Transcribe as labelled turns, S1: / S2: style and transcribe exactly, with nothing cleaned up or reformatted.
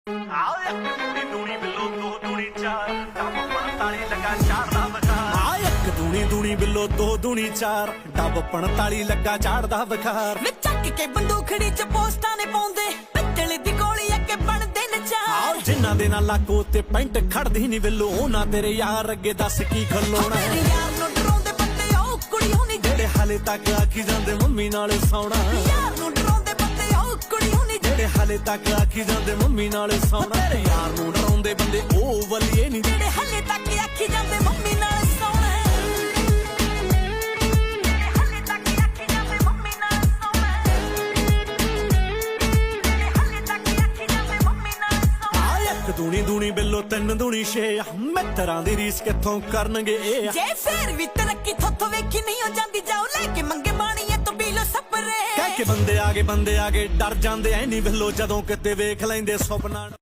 S1: ਦੂਣੀ ਬਿੱਲੋ ਦੋ ਦੂਣੀ ਚਾਰ ਡੱਬ ਪੰਤਾਲੀ ਲੱਗਾ ਚਾਰ ਦਾ ਬਖਾਰ ਆ ਇੱਕ ਦੂਣੀ ਦੂਣੀ ਬਿੱਲੋ ਦੋ ਦੂਣੀ ਚਾਰ ਡੱਬ ਪੰਤਾਲੀ ਲੱਗਾ ਚਾਰ ਦਾ ਬਖਾਰ
S2: ਵੇ ਚੱਕ ਕੇ ਬੰਦੂਖੜੀ ਚ ਪੋਸਟਾਂ ਨੇ ਪਾਉਂਦੇ ਪਿੱਤਲ ਦੀ ਗੋਲੀ ਅੱਗੇ ਬਣਦੇ ਨਚਾਰ
S1: ਜਿਨ੍ਹਾਂ ਦੇ ਨਾਲ ਲਾਕੋ ਤੇ ਪੈਂਟ ਖੜਦੀ ਨਹੀਂ ਬਿੱਲੋ ਉਹਨਾਂ ਤੇਰੇ ਯਾਰ ਅੱਗੇ ਦੱਸ ਕੀ ਖਲੋਣਾ
S2: ਮੇਰੇ ਯਾਰ ਨੂੰ ਡਰਾਉਂਦੇ ਬੰਦੇ ਉਹ ਕੁੜੀਆਂ ਨਹੀਂ
S1: ਜਿਹੜੇ ਹਾਲੇ ਤੱਕ ਆਖੀ ਜਾਂਦੇ ਮੰਮੀ ਨਾਲ ਸੌਣਾ
S2: ਯਾਰ ਨੂੰ ਡਰਾਉਂਦੇ ਬੰਦੇ ਉਹ ਕੁੜੀਆਂ ਨਹੀਂ
S1: ਜਿਹੜੇ ਹਾਲੇ ਤੱਕ ਆਖੀ ਜਾਂਦੇ ਮੰਮੀ ਨਾਲ ਸੌਣਾ ਤੇਰੇ ਯਾਰ ਨੂੰ ਡਰਾਉਂਦੇ ਬੰਦੇ ਉਹ ਵਲੀਏ ਨਹੀਂ
S2: ਜਿਹੜੇ ਹਾਲੇ ਤੱਕ ਆਖੀ ਜਾਂਦੇ ਮੰਮੀ ਨਾਲ ਸੌਣਾ ਦੂਣੀ ਦੂਣੀ ਬਿੱਲੋ ਤਿੰਨ ਦੂਣੀ ਛੇ ਮਿੱਤਰਾਂ ਦੀ ਰੀਸ ਕਿੱਥੋਂ ਕਰਨਗੇ ਇਹ ਜੇ ਫੇਰ ਵੀ ਤਰੱਕੀ ਥੋਥੋਂ ਵੇਖੀ ਨਹੀਂ ਹੋ ਜਾਂਦੀ ਜਾਓ ਲੈ ਕੇ ਮੰਗੇ ਬਾਣੀਏ ਤੋਂ ਪੀਲੋ ਸਪਰੇ
S1: ਕਹਿ ਕੇ ਬੰਦੇ ਆਗੇ ਬੰਦੇ ਆਗੇ ਡਰ ਜਾਂਦੇ ਐ ਨਹੀਂ ਬਿੱਲੋ ਜਦੋਂ ਕਿਤੇ ਵੇਖ ਲੈਂਦੇ ਸੁਪਨਾ